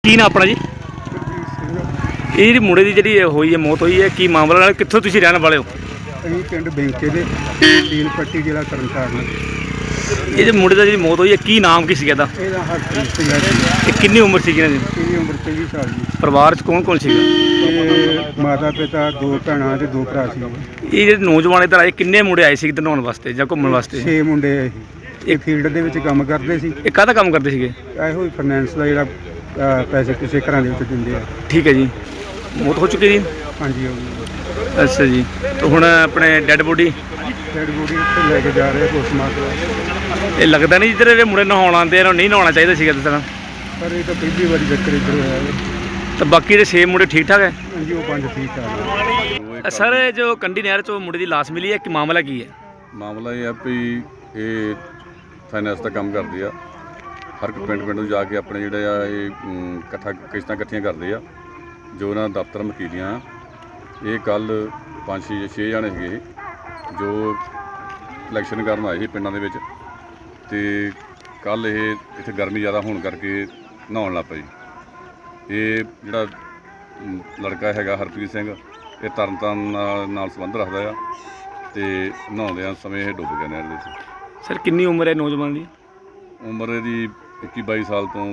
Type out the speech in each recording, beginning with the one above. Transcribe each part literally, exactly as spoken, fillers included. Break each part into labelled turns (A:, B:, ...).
A: ਕੀ ਨਾ ਆਪਣਾ ਜੀ ਇਹ ਜਿਹੜੀ ਮੁੰਡੇ ਦੀ ਜਿਹੜੀ ਹੋਈ ਹੈ ਮੌਤ ਹੋਈ ਹੈ ਕੀ ਮਾਮਲਾ ਨਾਲ ਕਿੱਥੋਂ ਤੁਸੀਂ ਰਹਿਣ ਵਾਲੇ ਹੋ?
B: ਅਸੀਂ ਪਿੰਡ ਬੈਂਕੇ ਦੇ ਤੀਨ ਪੱਟੀ ਜ਼ਿਲ੍ਹਾ ਤਰਨਤਾਰਨ।
A: ਇਹ ਜਿਹੜੇ ਮੁੰਡੇ ਦਾ ਜਿਹੜੀ ਮੌਤ ਹੋਈ ਹੈ ਕੀ ਨਾਮ ਕੀ ਸੀਗਾ ਇਹਦਾ?
B: ਇਹਦਾ ਹਰਪ੍ਰੀਤ ਸਿੰਘ ਹੈ ਜੀ।
A: ਇਹ ਕਿੰਨੀ ਉਮਰ ਸੀਗੀ ਇਹਨਾਂ ਦੀ?
B: ਇਹਦੀ ਉਮਰ ਤੇਈ ਸਾਲ ਜੀ।
A: ਪਰਿਵਾਰ 'ਚ ਕੌਣ ਕੌਣ ਸੀਗਾ?
B: ਤੇ ਮਾਤਾ ਪਿਤਾ ਦੋ ਭੈਣਾਂ ਤੇ ਦੋ ਭਰਾ ਸੀ।
A: ਇਹ ਜਿਹੜੇ ਨੌਜਵਾਨ ਇੱਧਰ ਆਏ ਕਿੰਨੇ ਮੁੰਡੇ ਆਏ ਸੀ ਇੱਧਰ ਨਹਾਉਣ ਵਾਸਤੇ ਜਾਂ ਘੁੰਮਣ ਵਾਸਤੇ?
B: ਛੇ ਮੁੰਡੇ ਆ ਇਹ। ਇਹ ਫੀਲਡ ਦੇ ਵਿੱਚ ਕੰਮ ਕਰਦੇ ਸੀ।
A: ਇਹ ਕਾਹਦਾ ਕੰਮ ਕਰਦੇ ਸੀਗੇ?
B: ਇਹੋ ਹੀ ਫਾਈਨੈਂਸ ਦਾ ਜਿਹੜਾ ਅਹ, ਪੈਸੇ ਕਿਸੇ ਘਰਾਂ ਦੇ ਵਿੱਚ ਦਿੰਦੇ ਆ।
A: ਠੀਕ ਹੈ ਜੀ। ਮੌਤ ਹੋ ਚੁੱਕੀ ਜੀ?
B: ਹਾਂਜੀ ਹੋ ਗਈ।
A: ਅੱਛਾ ਜੀ। ਤੇ ਹੁਣ ਆਪਣੇ ਡੈੱਡ ਬੋਡੀ
B: ਡੈਡ ਬੋਡੀ ਉੱਥੇ ਲੈ ਕੇ ਜਾ ਰਹੇ ਪੋਸਟਮਾਰਟਮ।
A: ਇਹ ਲੱਗਦਾ ਨਹੀਂ ਜਿੱਧਰ ਇਹ ਮੁੰਡੇ ਨਹਾਉਣ ਆਉਂਦੇ ਇਹਨਾਂ ਨੂੰ ਨਹੀਂ ਨਹਾਉਣਾ ਚਾਹੀਦਾ ਸੀਗਾ ਇਸ ਤਰ੍ਹਾਂ।
B: ਪਰ ਇਹ ਤਾਂ ਪਹਿਲੀ ਵਾਰੀ ਚੱਕਰ ਇੱਧਰ ਹੋਇਆ ਹੈ।
A: ਤਾਂ ਬਾਕੀ ਦੇ ਛੇ ਮੁੰਡੇ ਠੀਕ ਠਾਕ ਹੈ?
B: ਹਾਂਜੀ ਉਹ ਪੰਜ ਠੀਕ ਆ।
A: ਸਰ ਇਹ ਜੋ ਕੰਢੀ ਨਹਿਰ 'ਚੋਂ ਮੁੰਡੇ ਦੀ ਲਾਸ਼ ਮਿਲੀ ਹੈ ਕਿ ਮਾਮਲਾ ਕੀ ਹੈ?
C: ਮਾਮਲਾ ਇਹ ਆ ਵੀ ਇਹ ਫਾਈਨੈਂਸ ਦਾ ਕੰਮ ਕਰਦੇ ਆ। ਹਰ ਇੱਕ ਪਿੰਡ ਪਿੰਡ ਨੂੰ ਜਾ ਕੇ ਆਪਣੇ ਜਿਹੜੇ ਆ ਇਹ ਅਮ, ਇਕੱਠਾ ਕਿਸ਼ਤਾਂ ਇਕੱਠੀਆਂ ਕਰਦੇ ਆ ਜੋ ਉਹਨਾਂ ਦਾ ਦਫ਼ਤਰ ਮਕੀਲੀਆਂ। ਇਹ ਕੱਲ੍ਹ ਪੰਜ ਛੇ ਛੇ ਜਾਣੇ ਸੀਗੇ ਜੋ ਇਲੈਕਸ਼ਨ ਕਰਨ ਆਏ ਸੀ ਪਿੰਡਾਂ ਦੇ ਵਿੱਚ, ਅਤੇ ਕੱਲ੍ਹ ਇਹ ਇੱਥੇ ਗਰਮੀ ਜ਼ਿਆਦਾ ਹੋਣ ਕਰਕੇ ਨਹਾਉਣ ਲੱਗ ਪਏ। ਇਹ ਜਿਹੜਾ ਅਮ, ਲੜਕਾ ਹੈਗਾ ਹਰਪ੍ਰੀਤ ਸਿੰਘ, ਇਹ ਤਰਨਤਾਰਨ ਨਾਲ ਨਾਲ ਸੰਬੰਧ ਰੱਖਦਾ ਆ, ਅਤੇ ਨਹਾਉਂਦਿਆਂ ਸਮੇਂ ਇਹ ਡੁੱਬ ਗਿਆ ਨਹਿਰ ਦੇ ਵਿੱਚ।
A: ਸਰ ਕਿੰਨੀ ਉਮਰ ਹੈ ਨੌਜਵਾਨ ਦੀ?
C: ਉਮਰ ਇਹਦੀ ਇੱਕੀ ਬਾਈ ਸਾਲ ਤੋਂ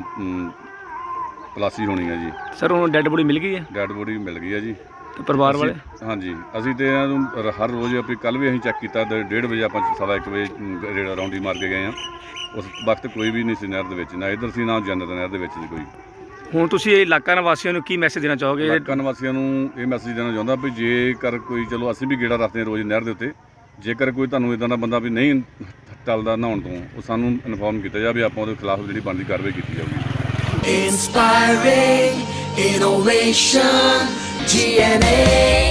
C: ਪਲਾਸੀ ਹੋਣੀ ਹੈ ਜੀ।
A: ਸਰ ਹੁਣ ਡੈੱਡ ਬੋਡੀ ਮਿਲ ਗਈ ਹੈ?
C: ਡੈਡ ਬੋਡੀ ਮਿਲ ਗਈ ਹੈ ਜੀ।
A: ਤੇ ਪਰਿਵਾਰ ਵਾਲੇ?
C: ਅਸੀਂ- ਹਾਂਜੀ ਅਸੀਂ ਤੇ ਇਹਨਾਂ ਨੂੰ ਰ- ਹਰ ਰੋਜ਼ ਆਪਣੀ ਕੱਲ੍ਹ ਵੀ ਅਸੀਂ ਚੈੱਕ ਕੀਤਾ, ਡ- ਡੇਢ ਵਜੇ ਆਪਾਂ ਸਵਾ ਇੱਕ ਵਜੇ ਅਮ, ਰੇੜਾ ਰੌਂਡੀ ਮਾਰ ਕੇ ਗਏ ਹਾਂ। ਉਸ ਵਕਤ ਕੋਈ ਵੀ ਨਹੀਂ ਸੀ ਨਹਿਰ ਦੇ ਵਿੱਚ, ਨਾ ਇੱਧਰ ਸੀ ਨਾ ਜੰਨਤ ਨਹਿਰ ਦੇ ਵਿੱਚ ਸੀ ਕੋਈ।
A: ਹੁਣ ਤੁਸੀਂ ਇਹ ਇਲਾਕਾ ਨਿਵਾਸੀਆਂ ਨੂੰ ਕੀ ਮੈਸੇਜ ਦੇਣਾ ਚਾਹੋਗੇ?
C: ਇਲਾਕਾ ਨਿਵਾਸੀਆਂ ਨੂੰ ਇਹ ਮੈਸੇਜ ਦੇਣਾ ਚਾਹੁੰਦਾ ਵੀ ਜੇਕਰ ਕੋਈ, ਚਲੋ ਅਸੀਂ ਵੀ ਗੇੜਾ ਰੱਖਦੇ ਹਾਂ ਰੋਜ਼ ਨਹਿਰ ਦੇ ਉੱਤੇ, ਜੇਕਰ ਕੋਈ ਤੁਹਾਨੂੰ ਇੱਦਾਂ ਦਾ ਬੰਦਾ ਵੀ ਨਹੀਂ ਟਲਦਾ ਨਹਾਉਣ ਤੋਂ, ਉਹ ਸਾਨੂੰ ਇਨਫੋਰਮ ਕੀਤਾ ਜਾਵੇ, ਆਪਾਂ ਉਹਦੇ ਖਿਲਾਫ ਜਿਹੜੀ ਬਣਦੀ ਕਾਰਵਾਈ ਕੀਤੀ ਜਾਊਗੀ।
D: Inspiring innovation, G N A